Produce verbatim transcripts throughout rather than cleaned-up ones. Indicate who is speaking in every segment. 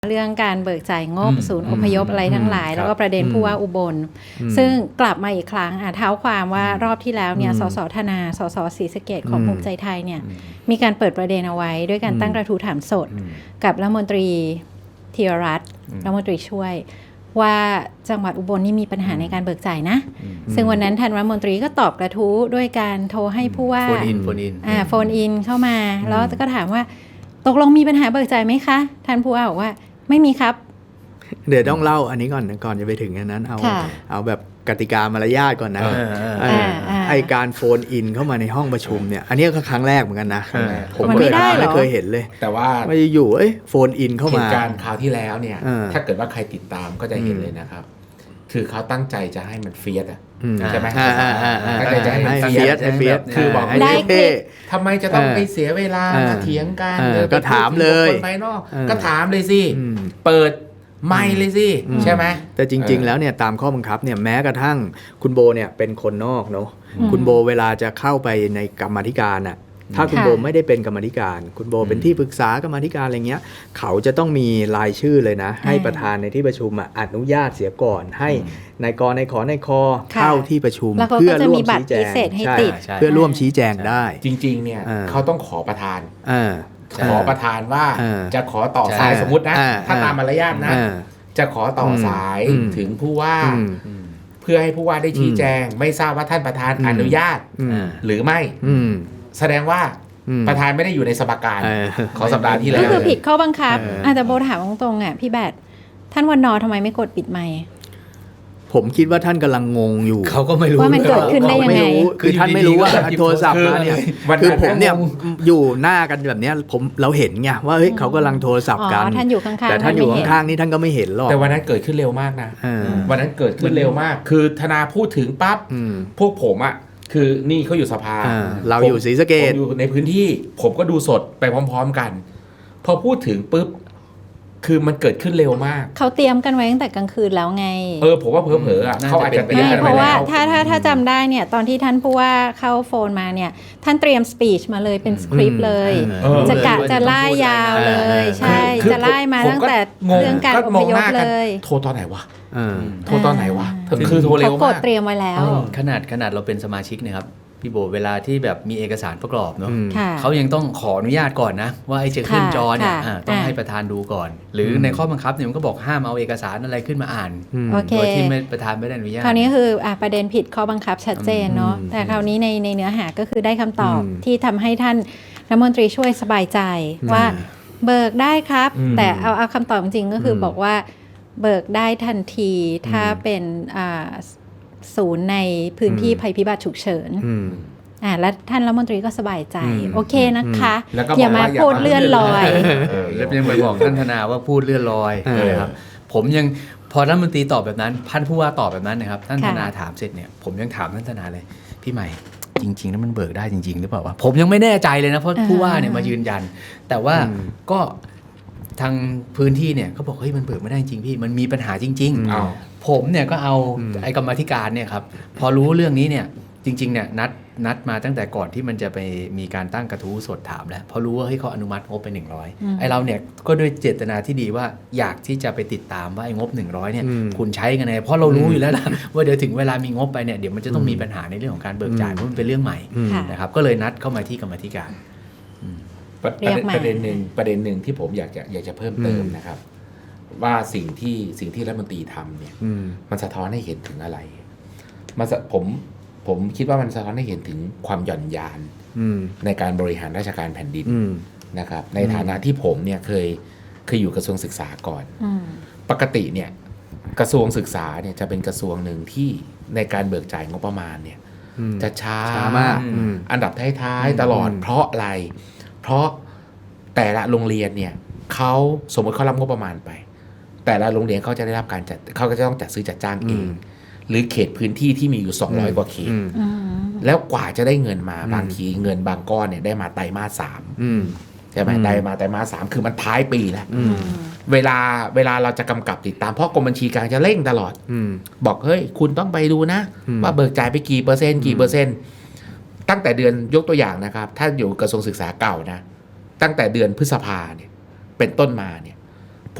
Speaker 1: เรื่องการเบิกจ่ายงบศูนย์อพยพอะไรทั้งหลายแล้วก็ประเด็นผู้ว่าอุบลซึ่งกลับมาอีกครั้งเท้าความว่ารอบที่แล้วเนี่ยสสธนาสสศรีสะเกษของภูมิใจไทยเนี่ยมีการเปิดประเด็นเอาไว้ด้วยการตั้งกระทู้ถามสดกับรัฐมนตรีธีรรัตน์รัฐมนตรีช่วยว่าจังหวัดอุบลนี่มีปัญหาในการเบิกจ่ายนะซึ่งวันนั้นท่านรัฐมนตรีก็ตอบกระทู้ด้วยการโทรให้ผู้ว่าโฟนอินโฟนอินอ่าโฟนอินเข้ามาแล้วก็ถามว่าตกลงมีปัญหาเบิกจ่ายไหมคะท่านผู้ว่าบอกว่าไม่มีครับ
Speaker 2: เดี๋ยวต้องเล่าอันนี้ก่อนก่อนจะไปถึงอันนั้นเอาเอาแบบกติกามารยาทก่อนนะไอการโฟนอินเข้ามาในห้องประชุมเนี่ยอันนี้ก็ครั้งแรกเหมือนกันนะผมเคยไม่เคยเห็นเลย
Speaker 3: แต่ว่า
Speaker 2: ไม่อยู่เอ้ยโฟนอินเข้ามา
Speaker 3: เหตุการณ์คราวที่แล้วเนี่ยถ้าเกิดว่าใครติดตามก็จะเห็นเลยนะครับคือเขาตั้งใจจะให้มันเฟียสอ่ะใช่ไหมตั้งใจจะให้มันเฟียส
Speaker 2: เฟียส
Speaker 3: คือบอก
Speaker 1: ได้
Speaker 3: ทำไมจะต้องไปเสียเวลามาเถียงกัน
Speaker 2: ก็ถามเลย
Speaker 3: คนภายนอกก็ถามเลยสิเปิดไม่เลยสิใช่ไหม
Speaker 2: แต่จริงๆแล้วเนี่ยตามข้อบังคับเนี่ยแม้กระทั่งคุณโบเนี่ยเป็นคนนอกเนาะคุณโบเวลาจะเข้าไปในกรรมาธิการอ่ะถ้าคุณโบไม่ได้เป็นกรรมาธิการคุณโบเป็นที่ปรึกษากรรมาธิการอะไรเงี้ยเขาจะต้องมีรายชื่อเลยนะให้ประธานในที่ประชุมอนุญาตเสียก่อนให้นายกนายขอนายคอเข้าที่ประชุม
Speaker 1: เพื่อร่วมชี้แจง
Speaker 2: เพื่อร่วมชี้แจงได้
Speaker 3: จริงๆเนี่ยเขาต้องขอประธานขอประธานว่าจะขอต่อสายสมมุตินะถ้าตามมารยาทนะจะขอต่อสายถึงผู้ว่าเพื่อให้ผู้ว่าได้ชี้แจงไม่ทราบว่าท่านประธานอนุญาตหรือไม่แสดงว่าประธานไม่ได้อยู่ในสภาการของสัปดาห์ที่แล้ว
Speaker 1: ก็คือผิดข้อบังคับอาจจะโบถามตรงๆอ่ะพี่แบดท่านวันนอทำไมไม่กดปิดไมค์
Speaker 2: ผมคิดว่าท่านกำลังงงอยู่
Speaker 1: เขาก็ไม่รู้ว่ามันเกิดขึ้นได้ยังไง
Speaker 2: คือท่านไม่รู้ว่าโทรศัพท์มาเนี่ยคือผมเนี่ยอยู่หน้ากันแบบนี้ผมเราเห็นไงว่าเฮ้ยเขากำลังโทรศัพท์กัน
Speaker 1: ท่านอยู่ข้างๆ
Speaker 2: แต่ท่านอยู่ข้างๆนี่ท่านก็ไม่เห็นหรอก
Speaker 3: แต่วันนั้นเกิดขึ้นเร็วมากนะวันนั้นเกิดขึ้นเร็วมากคือธนาพูดถึงปั๊บพวกผมอ่ะคือนี่เขาอยู่สภา
Speaker 2: เราอยู่ศรีสะเกษ
Speaker 3: อยู่ในพื้นที่ผมก็ดูสดไปพร้อมๆกันพอพูดถึงปุ๊บคือมันเกิดขึ้นเร็วมาก
Speaker 1: เขาเตรียมกันไว้ตั้งแต่กลางคืนแล้วไง
Speaker 3: เออผมว่าเผลอๆอ่ะเขาอาจจะเตรียมกันไว้แล้ว
Speaker 1: เพราะว่าถ้าถ้าถ้าจำได้เนี่ยตอนที่ท่านผู้ว่าเข้าโฟนมาเนี่ยท่านเตรียมสปีชมาเลยเป็นสคริปต์เลยจะกะจะไล่ยาวเลยใช่จะไล่มาตั้งแต่เรื่องการอพยพเลย
Speaker 3: โทรตอนไหนวะโทรตอนไหนวะคือโทรเร็วมาก
Speaker 1: เขากดเตรียมไว้แล้ว
Speaker 4: ขนาดขนาดเราเป็นสมาชิกนะครับพี่โบเวลาที่แบบมีเอกสารประกอบเนาะเขายังต้องขออนุญาตก่อนนะว่าไอ้จะขึ้นจอเนี่ยต้องให้ประธานดูก่อนหรือในข้อบังคับเนี่ยมันก็บอกห้ามเอาเอกสารอะไรขึ้นมาอ่านโดยที่ประธานไม่ได้อนุญาต
Speaker 1: คราวนี้คือประเด็นผิดข้อบังคับชัดเจนเนาะแต่คราวนี้ในในเนื้อหาก็คือได้คำตอบที่ทำให้ท่านรัฐมนตรีช่วยสบายใจว่าเบิกได้ครับแต่เอาเอาคำตอบจริงก็คือบอกว่าเบิกได้ทันทีถ้าเป็นศูนย์ในพื้นที่ภัยพิบัติฉุกเฉินอ่าแล้วท่านรัฐมนตรีก็สบายใจโอเคนะคะอย่ามาพูดเลื่อนลอย
Speaker 4: แล้วยังไปบอกท่านธนาว่าพูดเลื่อนลอยนะครับผมยังพอรัฐมนตรีตอบแบบนั้นท่านผู้ว่าตอบแบบนั้นนะครับท่านธนาถามเสร็จเนี่ยผมยังถามท่านธนาเลยพี่ใหม่จริงๆแล้วมันเบิกได้จริงๆหรือเปล่าวะผมยังไม่แน่ใจเลยนะเพราะผู้ว่าเนี่ยมายืนยันแต่ว่าก็ทางพื้นที่เนี่ยเขาบอกเฮ้ยมันเบิกไม่ได้จริงพี่มันมีปัญหาจริงๆผมเนี่ยก็เอาไอ้กรรมาธิการเนี่ยครับพอรู้เรื่องนี้เนี่ยจริงๆเนี่ยนัดนัดมาตั้งแต่ก่อนที่มันจะไปมีการตั้งกระทู้สดถามแล้วพอรู้ว่าเฮ้ยเขาอนุมัติงบไปหนึ่งร้อยไอ้เราเนี่ยก็ด้วยเจตนาที่ดีว่าอยากที่จะไปติดตามว่าไอ้งบหนึ่งร้อยเนี่ยคุณใช้กันไงเพราะเรารู้อยู่แล้วนะว่าเดี๋ยวถึงเวลามีงบไปเนี่ยเดี๋ยวมันจะต้องมีปัญหาในเรื่องของการเบิกจ่ายเพราะมันเป็นเรื่องใหม่นะครับก็เลยนัดเข้ามาที่กรรมาธิการ
Speaker 3: ประเด็นหนึ่งประเด็นหนึ่งที่ผมอยากจะอยากจะเพิ่มเติมนะครับว่าสิ่งที่สิ่งที่รัฐมนตรีทำเนี่ยมันสะท้อนให้เห็นถึงอะไรมันผมผมคิดว่ามันสะท้อนให้เห็นถึงความหย่อนยานในการบริหารราชการแผ่นดินนะครับในฐานะที่ผมเนี่ยเคยเคยอยู่กระทรวงศึกษาก่อนปกติเนี่ยกระทรวงศึกษาเนี่ยจะเป็นกระทรวงหนึ่งที่ในการเบิกจ่ายงบประมาณเนี่ยจะช้ามากอันดับท้ายๆตลอดเพราะอะไรเพราะแต่ละโรงเรียนเนี่ยเขาสมมติเขารับงบประมาณไปแต่ละโรงเรียนเขาจะได้รับการจัดเขาก็จะต้องจัดซื้อจัดจ้างเองหรือเขตพื้นที่ที่มีอยู่สองร้อยกว่าเขตแล้วกว่าจะได้เงินมาบางทีเงินบางก้อนเนี่ยได้มาไตรมาสสามใช่ไหมได้มาไตรมาสสามคือมันท้ายปีแล้วเวลาเวลาเราจะกำกับติดตามเพราะกรมบัญชีกลางจะเร่งตลอดบอกเฮ้ยคุณต้องไปดูนะว่าเบิกจ่ายไปกี่เปอร์เซ็นต์กี่เปอร์เซ็นต์ตั้งแต่เดือนยกตัวอย่างนะครับถ้าอยู่กระทรวงศึกษาเก่านะตั้งแต่เดือนพฤษภาเนี่ยเป็นต้นมาเนี่ยพ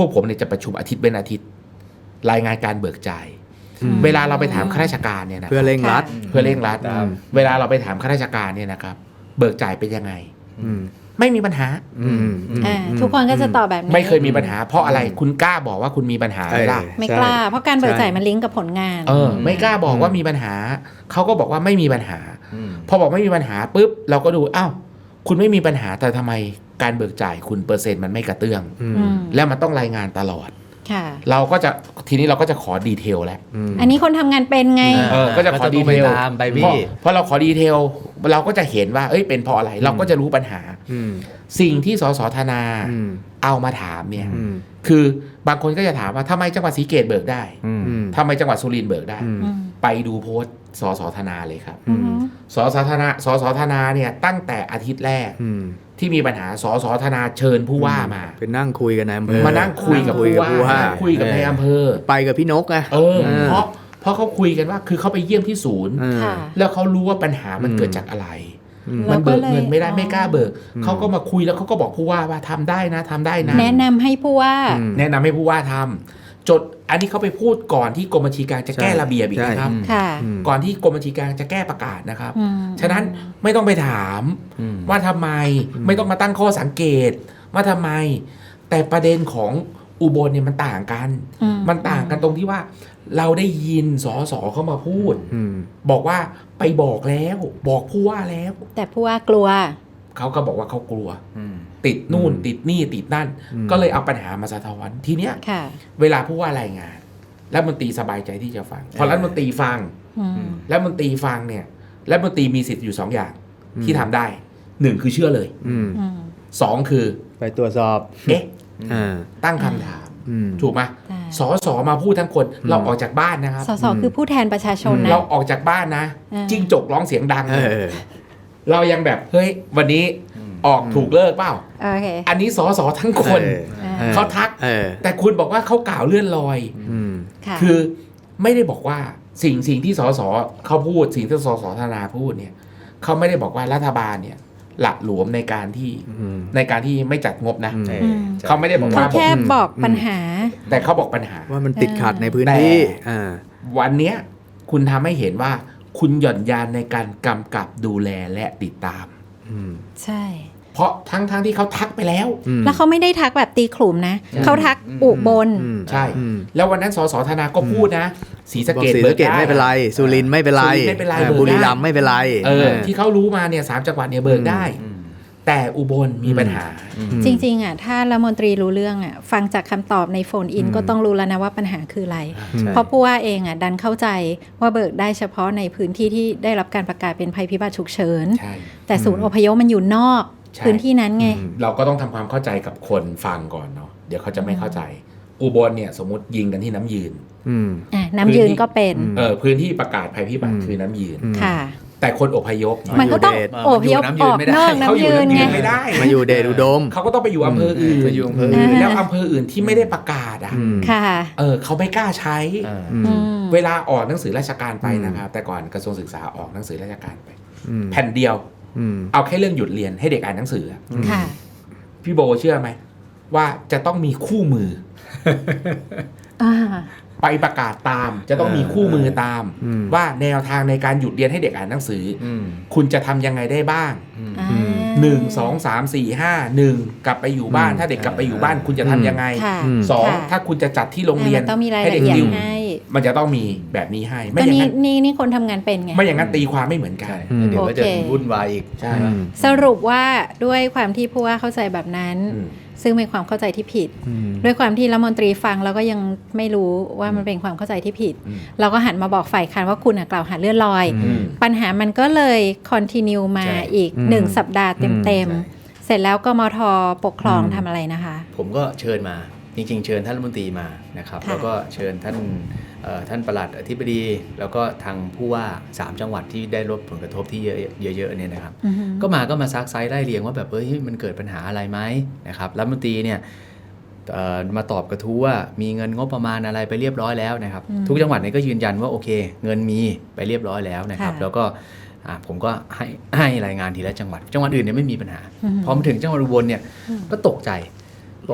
Speaker 3: วกผมเนี่ยจะประชุมอาทิตย์เป็นอาทิตย์รายงานการเบิกจ่าย
Speaker 2: อืม
Speaker 3: เวลาเราไปถามข้าราชการเนี่ยนะ
Speaker 2: เพื่อเร่งรัด
Speaker 3: เพื่อเร่งรัด
Speaker 2: อืม
Speaker 3: เวลาเราไปถามข้าราชการเนี่ยนะครับเบิกจ่ายเป็นยังไง
Speaker 2: อืม
Speaker 3: ไม่มีปัญหา
Speaker 2: อืม
Speaker 1: อ่าทุกคนก็จะตอบแบบนี้
Speaker 3: ไม่เคยมีปัญหา เพราะอะไรคุณกล้าบอกว่าคุณมีปัญหาไหมล่ะ
Speaker 2: เออ
Speaker 1: ไม่กล้า เพราะการเบิกจ่ายมันลิงก์กับผลงาน
Speaker 3: เออไม่กล้าบอกว่ามีปัญหาเขาก็บอกว่าไม่มีปัญหา พอบอกไม่มีปัญหาปุ๊บเราก็ดูอ้าวคุณไม่มีปัญหาแต่ทำไมการเบิกจ่ายคุณเปอร์เซ็นต์มันไม่กระเตื้อง
Speaker 2: อืม
Speaker 1: อืม
Speaker 3: แล้วมันต้องรายงานตลอด
Speaker 1: ค่ะ
Speaker 3: เราก็จะทีนี้เราก็จะขอดีเทลแล้ว
Speaker 2: อืม
Speaker 1: อันนี้คนทำงานเป็นไง
Speaker 3: เออก็จะขอดีเทล
Speaker 4: ก็จะต้องไปตามไปพี่
Speaker 3: เพราะเพราะเราขอดีเทลเราก็จะเห็นว่าเอ้ยเป็นเพราะอะไรเราก็จะรู้ปัญหา
Speaker 2: อืม
Speaker 3: สิ่งที่สสธนา
Speaker 2: อืม
Speaker 3: เอามาถามเนี่ย
Speaker 2: อืม
Speaker 3: คือบางคนก็จะถามว่าทำไมจังหวัดศรีเกตเบิกได้
Speaker 2: อืม
Speaker 3: ทำไมจังหวัดสุรินทร์เบิกได้
Speaker 2: อืม
Speaker 1: อืม
Speaker 3: ไปดูโพสต์สสธนาเลยครับ
Speaker 1: อืม
Speaker 3: สสธนาสสธนาเนี่ยตั้งแต่อาทิตย์แรก
Speaker 2: อืม
Speaker 3: ที่มีปัญหาสสธนาเชิญผู้ว่ามา
Speaker 2: ไปนั่งคุยกันในอำเภอ
Speaker 3: มานั่งคุยกับ
Speaker 2: คุย
Speaker 3: ผู้
Speaker 2: กับ
Speaker 3: ว่า
Speaker 2: ผู้ว่า
Speaker 3: คุยกับในอำเภอ
Speaker 2: ไปกับพี่นกอะ
Speaker 3: เออ
Speaker 2: เออ
Speaker 3: เพราะเพราะเขาคุยกันว่าคือเขาไปเยี่ยมที่ศูนย์
Speaker 2: เออ
Speaker 1: ค่ะ
Speaker 3: แล้วเขารู้ว่าปัญหามัน
Speaker 2: อืม
Speaker 3: เกิดจากอะไร
Speaker 2: อืม
Speaker 1: แล้
Speaker 3: มั
Speaker 1: วน ก็
Speaker 3: เบิก
Speaker 1: เลย
Speaker 3: เงินไม่ได้
Speaker 1: อ๋อ
Speaker 3: ไม่กล้าเบิก
Speaker 2: อืม
Speaker 3: เขาก็มาคุยแล้วเขาก็บอกผู้ว่าว่าทำได้นะทำได้นะ
Speaker 1: แนะนำให้ผู้ว่า
Speaker 2: อืม
Speaker 3: แนะนำให้ผู้ว่าทำจดอันนี้เขาไปพูดก่อนที่กรมบัญชีกลางจะแก้
Speaker 2: ใช่
Speaker 3: ระเบียบอีกนะครับ
Speaker 2: ใช่
Speaker 1: ค่ะ
Speaker 2: อืม
Speaker 3: ก่อนที่กรมบัญชีกลางจะแก้ประกาศนะครับ
Speaker 1: อืม
Speaker 3: ฉะนั้นไม่ต้องไปถามว่าทำไมไม่ต้องมาตั้งข้อสังเกต ว่าทำไม แต่ประเด็นของอุบลเนี่ยมันต่างกัน
Speaker 1: อืม
Speaker 3: มันต่างกันตรงที่ว่า เราได้ยินสสเข้ามาพูด
Speaker 2: อืม
Speaker 3: บอกว่าไปบอกแล้ว บอกผู้ว่าแล้ว
Speaker 1: แต่ผู้ว่ากลัว
Speaker 3: เขาก็บอกว่าเขากลัว ติดนู่น
Speaker 2: อืม
Speaker 3: ติดนี่ติดนั่น
Speaker 2: อืม
Speaker 3: ก็เลยเอาปัญหามาสะท้อนทีเนี้ย
Speaker 1: ค่ะ
Speaker 3: เวลาผู้ว่ารายงานรัฐมนตรีสบายใจที่จะฟัง พอรัฐมนตรีฟัง
Speaker 1: อืม
Speaker 3: รัฐมนตรีฟังเนี่ยรัฐมนตรีมีสิทธิ์อยู่สองอย่างที่ทำได้หนึ่งคือเชื่อเลย
Speaker 2: อืม
Speaker 1: อืม
Speaker 3: สองคือ
Speaker 2: ไปตรวจสอบ
Speaker 3: เอ๊ะ
Speaker 2: อ่า
Speaker 3: ตั้งคำถาม
Speaker 2: อืม
Speaker 3: ถูกไหม
Speaker 1: ใช่
Speaker 3: สอสอมาพูดทั้งคน เราออกจากบ้านนะครับ
Speaker 1: สสคือผู้แทนประชาชนนะ
Speaker 3: เราออกจากบ้านนะ
Speaker 1: อ่า
Speaker 3: จิ้งจกร้องเสียงดัง
Speaker 2: เออ
Speaker 3: เรายังแบบเฮ้ยวันนี้ออกถูกเลิกเปล่า
Speaker 1: โอเค
Speaker 3: อันนี้สอสอทั้งคน
Speaker 2: เออออ
Speaker 3: เขาทัก
Speaker 2: เออ
Speaker 3: แต่คุณบอกว่าเขากล่าวเลื่อนลอย
Speaker 2: อืม
Speaker 1: ค่ะ
Speaker 3: คือไม่ได้บอกว่าสิ่งสิ่งที่สสเขาพูดสิ่งที่สสธนาพูดเนี่ยเขาไม่ได้บอกว่ารัฐบาลเนี่ยหละหลวมในการที่
Speaker 2: อืม
Speaker 3: ในการที่ไม่จัดงบนะ
Speaker 2: อืม
Speaker 4: เออ
Speaker 1: อืม
Speaker 3: เขาไม่ได้บอก
Speaker 1: เขา
Speaker 3: ว่า
Speaker 1: แค่บอก
Speaker 2: อืม
Speaker 1: ปัญหา
Speaker 3: แต่เขาบอกปัญหา
Speaker 2: ว่ามันติดขัดในพื้น
Speaker 3: แต่
Speaker 2: ที่อ่า
Speaker 3: วันเนี้ยคุณทำให้เห็นว่าคุณหย่อนยานในการกำกับดูแลและติดตาม
Speaker 2: อืม
Speaker 1: ใช่
Speaker 3: เพราะทั้งทั้งที่เขาทักไปแล้ว
Speaker 2: อืม
Speaker 1: แล้วเขาไม่ได้ทักแบบตีขลุ่มนะ
Speaker 3: ใช่
Speaker 1: เขาทักอุบล
Speaker 2: อืม
Speaker 3: ใช่
Speaker 2: อืม
Speaker 3: แล้ววันนั้นสสธนาก็พูดนะศรีสะ
Speaker 2: บอก
Speaker 3: เกด
Speaker 2: ศรี
Speaker 3: เบิ
Speaker 2: สะ
Speaker 3: ก
Speaker 2: เกด
Speaker 3: ได้
Speaker 2: ไม่เป็นไรสุรินทร์ไม่เป็นไร
Speaker 3: สุรินทร์ไม่เป็นไร
Speaker 2: อ่า
Speaker 3: เบิกได้
Speaker 2: บุรีรัมย์ไม่เป็นไร
Speaker 3: เออที่เขารู้มาเนี่ยสามจังหวัดเนี่ยเบิกได้ แต่อุบลมีปัญหา
Speaker 1: จริงๆอ่ะถ้ารัฐมนตรีรู้เรื่องอ่ะฟังจากคำตอบในโฟนอิน
Speaker 2: อืม
Speaker 1: ก็ต้องรู้แล้วนะว่าปัญหาคืออะไร
Speaker 2: ใช่
Speaker 1: เพราะผู้ว่าเองอ่ะดันเข้าใจว่าเบิกได้เฉพาะในพื้นที่ที่ได้รับการประกาศเป็นภัยพิบัติฉุกเฉิน
Speaker 3: ใช่
Speaker 1: แต่ศูนย์อพยพมันอยู่นอก
Speaker 3: ใช่
Speaker 1: พื้นที่นั้นไง
Speaker 2: อืม
Speaker 3: เราก็ต้องทำความเข้าใจกับคนฟังก่อนเนาะเดี๋ยวเขาจะไม่เข้าใจ อุบลเนี่ยสมมติยิงกันที่น้ำยืน
Speaker 2: อืม
Speaker 1: อ่ะน้ำยืนก็เป็น
Speaker 2: อืม
Speaker 3: เออพื้นที่ประกาศภัยพิบัติ
Speaker 2: อืม
Speaker 3: คือน้ำยืน
Speaker 2: อืม
Speaker 1: ค่ะ
Speaker 3: แต่คนอพยพ
Speaker 1: มันก็ต้อง
Speaker 2: มา
Speaker 1: โอพยพ
Speaker 4: มันอยู่
Speaker 1: ออก
Speaker 4: น้ำยืนไม่ได้
Speaker 1: นอก
Speaker 3: เขา
Speaker 1: น้ำ
Speaker 3: อยู่
Speaker 1: ยืน
Speaker 3: น้ำยื
Speaker 1: ไง
Speaker 3: นไม่ได้
Speaker 2: มาอยู่เดชอุดม
Speaker 3: เขาก็ต้องไปอยู่อำเภออื่น
Speaker 4: ไปอยู่อำเภอ
Speaker 3: เอ
Speaker 4: อื่
Speaker 3: อน แล้วอำเภออื่นที่ไม่ได้ประกาศอ่ะ
Speaker 2: อืม
Speaker 1: ค่ะ
Speaker 3: เออเขาไม่กล้าใช้
Speaker 4: อ่า
Speaker 2: อืม
Speaker 1: อืม
Speaker 3: เวลาออกหนังสือราชการไป
Speaker 2: อืม
Speaker 3: นะครับแต่ก่อนกระทรวงศึกษาออกหนังสือราชการไป
Speaker 2: อืม
Speaker 3: แผ่นเดียว
Speaker 2: อืม
Speaker 3: เอาแค่เรื่องหยุดเรียนให้เด็กอ่านหนังสืออะ
Speaker 1: ค่ะ
Speaker 3: พี่โบเชื่อไหมว่าจะต้องมีคู่มือ
Speaker 1: อ่า
Speaker 3: ไปประกาศตาม จะต้องมีคู่มือตาม
Speaker 2: อืม
Speaker 3: ว่าแนวทางในการหยุดเรียนให้เด็กอ่านหนังสืออ
Speaker 4: ม
Speaker 3: คุณจะทำยังไงได้บ้าง
Speaker 1: อ่า
Speaker 3: หนึ่งสองสามสี่ห้าหนึ่งกลับไปอยู่บ้าน
Speaker 2: อืม
Speaker 3: ถ้าเด็กกลับไปอยู่บ้าน คุณจะทำยังไง
Speaker 1: ค่ะ
Speaker 2: อืม
Speaker 3: สอง
Speaker 1: ค่ะ
Speaker 3: ถ้าคุณจะจัดที่โรงเรียน
Speaker 1: มันต้องมีราย
Speaker 3: ให้
Speaker 1: ละ
Speaker 3: เด็ก
Speaker 1: เอียด
Speaker 3: ติว
Speaker 1: ให้
Speaker 3: มันจะต้องมีแบบนี้ให้ ไม่
Speaker 1: ก็
Speaker 3: อย่าง
Speaker 1: นี่
Speaker 3: นั้น
Speaker 1: นี่นี่คนทำงานเป็นไง
Speaker 3: ไม่อย่างนั้นตีความไม่เหมือนกัน
Speaker 4: ใช่
Speaker 2: อืม
Speaker 4: เดี๋ยวก็จะ
Speaker 1: โอเค
Speaker 4: วุ่นวายอีก
Speaker 3: ใช่
Speaker 2: อืม
Speaker 1: สรุปว่าด้วยความที่ผู้ว่าเข้าใจแบบนั้น
Speaker 3: อืม
Speaker 1: ซึ่งเป็นความเข้าใจที่ผิด
Speaker 2: อืม
Speaker 1: ด้วยความที่รัฐมนตรีฟังแล้วก็ยังไม่รู้ว่ามันเป็นความเข้าใจที่ผิด
Speaker 3: อืม
Speaker 1: เราก็หันมาบอกฝ่ายค้านว่าคุณน่ะกล่าวหาเลื่อนลอย
Speaker 2: อืม
Speaker 1: ปัญหามันก็เลยคอนติเนียมา
Speaker 4: ใช่
Speaker 1: อีก
Speaker 2: อืม
Speaker 1: หนึ่งสัปดาห์เต็ม
Speaker 4: ใช่
Speaker 1: ๆ เสร็จแล้วกมทปกครอง
Speaker 2: อืม
Speaker 1: ทำอะไรนะคะ
Speaker 4: ผมก็เชิญมาจริงๆ เชิญท่านรัฐมนตรีมานะครับ
Speaker 1: ค่ะ
Speaker 4: แล้วก็เชิญท่านเอ่อท่านปลัดอธิบดี แล้วก็ทางผู้ว่าสามจังหวัดที่ได้รับผลกระทบที่เยอะเยอะๆเนี่ยนะครับ
Speaker 1: อือฮึ
Speaker 4: ก็มาก็มาซักไซส์ไล่เรียงว่าแบบเอ้ยมันเกิดปัญหาอะไรไหมนะครับรัฐมนตรีเนี่ยเอ่อมาตอบกระทู้ว่ามีเงินงบประมาณอะไรไปเรียบร้อยแล้วนะครับ
Speaker 1: อืม
Speaker 4: ทุกจังหวัดเนี่ยก็ยืนยันว่าโอเค เงินมีไปเรียบร้อยแล้วนะครับ
Speaker 1: ค่ะ
Speaker 4: แล้วก็อ่าผมก็ให้ให้รายงานทีละจังหวัด จังหวัดอื่นเนี่ยไม่มีปัญหา
Speaker 1: อืม
Speaker 4: พอมาถึงจังหวัดอุบลเนี่ย
Speaker 1: อืม
Speaker 4: ก็ตกใจบอกเฮ้ย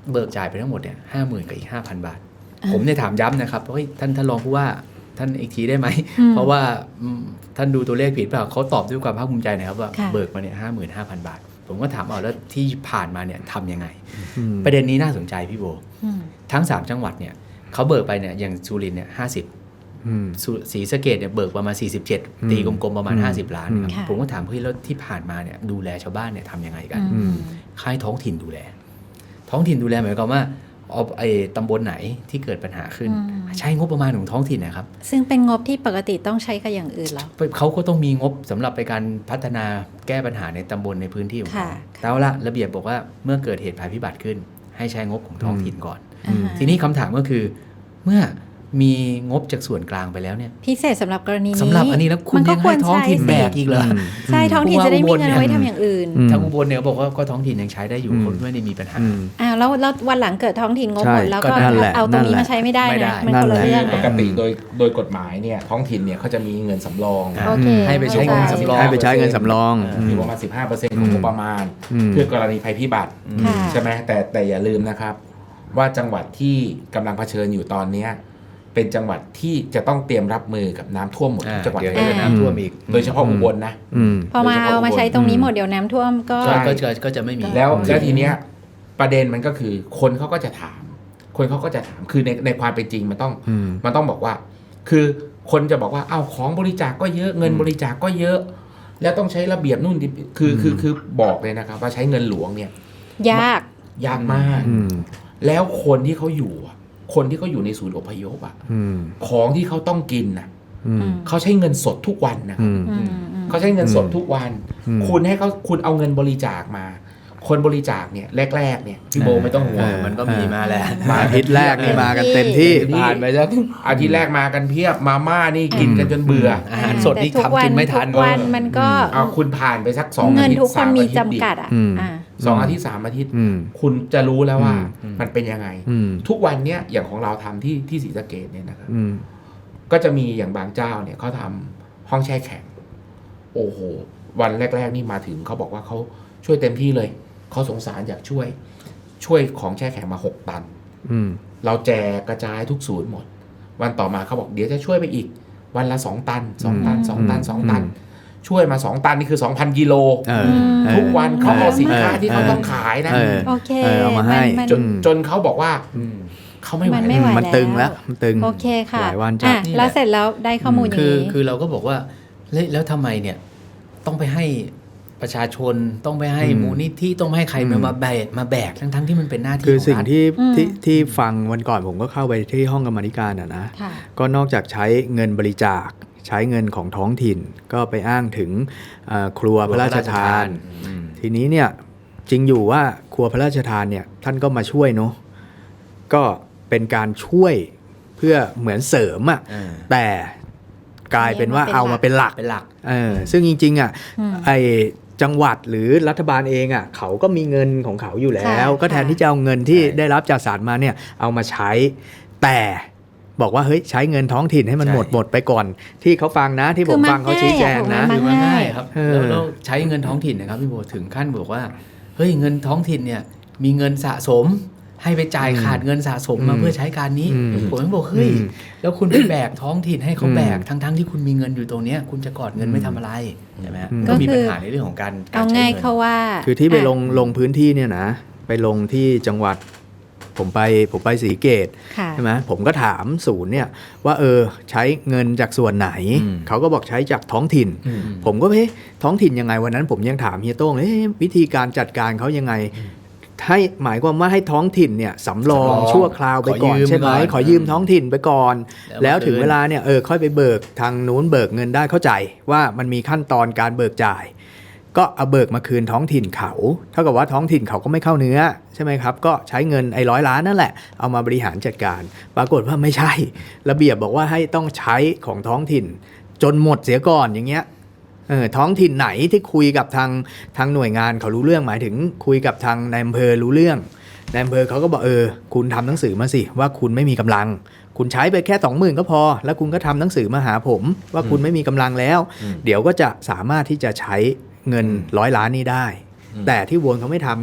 Speaker 4: เบิกจ่ายไปทั้งหมดเนี่ยห้าหมื่นกับอีกห้าพันบาทผมเนี่ยถามย้ำนะครับเฮ้ยท่านท่านรองผู้ว่าท่านอีกทีได้ไหมเพราะว่าท่านดูตัวเลขผิดเปล่าเขาตอบด้วยความภาคภูมิใจนะครับว่าเบิกมาเนี่ยห้าหมื่นห้าพันบาทผมก็ถามเอาแล้วที่ผ่านมาเนี่ยทำยังไงประเด็นนี้น่าสนใจพี่โบทั้งสามจังหวัดเนี่ยเขาเบิกไปเนี่ยอย่างสุรินทร์เนี่ยห้าสิบศรีสะเกษเนี่ยเบิกประมาณสี่สิบเจ็ดตีกลมๆประมาณห้าสิบล้านครับผมก็ถามเฮ้ยแล้วที่ผ่านมาเนี่ยดูแลชาวบ้านเนี่ยทำยังไงกันค่ายท้องถิ่นดูแลท้องถิ่นดูแลหมายความว่าเอาไอ้ตำบลไหนที่เกิดปัญหาขึ้นใช้งบประมาณของท้องถิ่นนะครับ
Speaker 1: ซึ่งเป็นงบที่ปกติต้องใช้กับอย่างอื่นหรอ
Speaker 4: เขาก็ต้องมีงบสำหรับไปการพัฒนาแก้ปัญหาในตำบลในพื้นที่ของเขาแต่ละระเบียบบอกว่าเมื่อเกิดเหตุภัยพิบัติขึ้นให้ใช้งบของท้องถิ่นก่อนทีนี้คำถามก็คือเมื่อมีงบจากส่วนกลางไปแล้วเนี่ย
Speaker 1: พิเศษสำหรับกรณีนี้
Speaker 4: สำหรับอันนี้แล้วคุณยังให้ท้องถิ่นแบกอีกเหรอ
Speaker 1: ใช่ท้องถิ่นจะได้มีเงินไว้ทำอย่างอื่น
Speaker 4: ทางอุบลเนี่ยบอกว่าก็ท้องถิ่นยังใช้ได้อยู่คนไม่ได้มีปัญหา
Speaker 1: อ้าวแล้วแล้ววันหลังเกิดท้องถิ่นงบหมดแล้วก็เอาตรงนี้มาใช้ไม่ได้นะมันคนละเรื่อง
Speaker 3: ปกติโดยโดยกฎหมายเนี่ยท้องถิ่นเนี่ยเขาจะมีเงินสำรอง
Speaker 4: ให้ไปใช้เงินสำรอง
Speaker 2: ให้ไปใช้เงินสำรอง
Speaker 3: อยู่ประมาณ สิบห้าเปอร์เซ็นต์ ของงบประมาณเพื่อกรณีภัยพิบัติใช่ไหมแต่แต่อย่าลืมนะครับว่าจังหวัดที่กำลังเผชิญอยู่ตอนนี้เป็นจังหวัดที่จะต้องเตรียมรับมือกับน้ำท่วมหมดทุกจังหวัด
Speaker 4: เลยน้ำท่วมอีก
Speaker 3: โดยเฉพาะอุบลนะ
Speaker 1: พอมาเอามาใช้ตรงนี้หมดเดี๋ยวน้ำท่วมก็
Speaker 4: ก็จะไม่มี
Speaker 3: แล้วแล้วทีเนี้ยประเด็นมันก็คือคนเขาก็จะถามคนเขาก็จะถามคือในในความเป็นจริงมันต้องมันต้องบอกว่าคือคนจะบอกว่าอ้าวของบริจาคก็เยอะเงินบริจาคก็เยอะแล้วต้องใช้ระเบียบนู่นคือคือคือบอกเลยนะครับว่าใช้เงินหลวงเนี่ย
Speaker 1: ยาก
Speaker 3: ยากมากแล้วคนที่เขาอยู่คนที่เขาอยู่ในศูนย์อพยพอ่ะของที่เขาต้องกินน่ะเขาใช้เงินสดทุกวันนะครับเขาใช้เงินสดทุกวันคุณให้เขาคุณเอาเงินบริจาคมาคนบริจาคเนี่ยแรกๆเนี่ยพี่โบไม่ต้องห่วง
Speaker 4: มันก็มีมาแล้ว
Speaker 2: มาอาทิตย์แรกนี่มากันเต็มที่
Speaker 3: ผ่านไปแล้วอาทิตย์แรกมากันเพียบมาม่านี่กินกันจนเบื่อ
Speaker 4: อาหารสดนี่ทำกินไม่ทัน
Speaker 1: วันมันก็
Speaker 3: เอาคุณผ่านไปสักสองอาทิตย์สามอาทิตย์จำกัดอ่ะสองอาทิตย์สามอาทิตย์คุณจะรู้แล้วว่ามันเป็นยังไงทุกวันเนี้ยอย่างของเราทำที่ที่ศรีสะเกษเนี่ยนะครับก็จะมีอย่างบางเจ้าเนี่ยเขาทำห้องแช่แข็งโอ้โหวันแรกๆนี่มาถึงเขาบอกว่าเขาช่วยเต็มที่เลยเขาสงสารอยากช่วยช่วยของแช่แข็งมาหกตันเราแจกกระจายทุกศูนย์หมดวันต่อมาเขาบอกเดี๋ยวจะช่วยไปอีกวันละสองตันสองตันสองตันสองตันช่วยมาสองตันนี่คือ สองพัน กิโลทุกวันเขาเอาสินค้าที่เขาต้องขายนะ
Speaker 1: โอเค
Speaker 2: เอามาให้
Speaker 3: จนจนเขาบอกว่าเขาไม่ไหว
Speaker 2: มันตึงแล้วมันตึง
Speaker 1: โอเคค่ะหลายวันจัดแล้วเสร็จแล้วได้ข้อมูลอย่างนี้
Speaker 4: คือเราก็บอกว่าแล้วทำไมเนี่ยต้องไปให้ประชาชนต้องไปให้มูลนิธิต้องให้ใครมาแบกมาแบกทั้งทั้งที่มันเป็นหน้าที่
Speaker 2: คือสิ่งที่ที่ที่ฟังวันก่อนผมก็เข้าไปที่ห้องกรรมธิการอ่ะนะก็นอกจากใช้เงินบริจาคใช้เงินของท้องถิ่นก็ไปอ้างถึงครัวพระราชทานทีนี้เนี่ยจริงอยู่ว่าครัวพระราชทานเนี่ยท่านก็มาช่วยเนาะก็เป็นการช่วยเพื่อเหมือนเสริมอ่ะแต่กลายเป็นว่าเอามาเป็นหลัก
Speaker 4: เป็นหลัก
Speaker 2: เออซึ่งจริงๆอ่ะไอจังหวัดหรือรัฐบาลเองอ่ะเขาก็มีเงินของเขาอยู่แล้วก็แทนที่จะเอาเงินที่ได้รับจากศาลมาเนี่ยเอามาใช้แต่บอกว่าเฮ้ยใช้เงินท้องถิ่นให้มันหมดหมดไปก่อนที่เขาฟังนะที่ผมฟังเขาชี้แจงนะ
Speaker 4: คือมันง่ายครับแล้วใช้เงินท้องถิ่นนะครับพี่โบถึงขั้นบอกว่าเฮ้ยเงินท้องถิ่นเนี่ยมีเงินสะสมให้ไปจ่ายขาดเงินสะสมมาเพื่อใช้การนี้ผมก็บอกเฮ้ยแล้วคุณไปแบกท้องถิ่นให้เขาแบกทั้งๆที่คุณมีเงินอยู่ตรงนี้คุณจะกอดเงินไม่ทำอะไรใช่ไหมก็มีปัญหาในเรื่องของการ
Speaker 1: เอาง่ายเขาว่า
Speaker 2: คือที่ไปลงลงพื้นที่เนี่ยนะไปลงที่จังหวัดผมไปผมไปศรีเกตใช่ไหมผมก็ถามศูนย์เนี่ยว่าเออใช้เงินจากส่วนไหนเขาก็บอกใช้จากท้องถิ่นผมก็เฮ้ยท้องถิ่นยังไงวันนั้นผมยังถามเฮียโต้งเฮ้ยวิธีการจัดการเขายังไงให้หมายความว่าให้ท้องถิ่นเนี่ยสำรองชั่วคราวไปก่อนใช่ไหมขอยืมท้องถิ่นไปก่อนแล้วถึงเวลาเนี่ยเออค่อยไปเบิกทางนู้นเบิกเงินได้เข้าใจว่ามันมีขั้นตอนการเบิกจ่ายก็เอาเบิกมาคืนท้องถิ่นเขาเท่ากับว่าท้องถิ่นเขาก็ไม่เข้าเนื้อใช่ไหมครับก็ใช้เงินไอ้ร้อยล้านนั่นแหละเอามาบริหารจัดการปรากฏว่าไม่ใช่ระเบียบบอกว่าให้ต้องใช้ของท้องถิ่นจนหมดเสียก่อนอย่างเงี้ยเออท้องถิ่นไหนที่คุยกับทางทางหน่วยงานเขารู้เรื่องหมายถึงคุยกับทางนายอำเภอรู้เรื่องนายอำเภอเขาก็บอกเออคุณทำหนังสือมาสิว่าคุณไม่มีกำลังคุณใช้ไปแค่สองหมื่นก็พอแล้วคุณก็ทำหนังสือมาหาผมว่าคุณไม่มีกำลังแล้วเดี๋ยวก็จะสามารถที่จะใช้เงินร้อยล้านนี้ได้แต่ที่วนเขาไม่ทำไง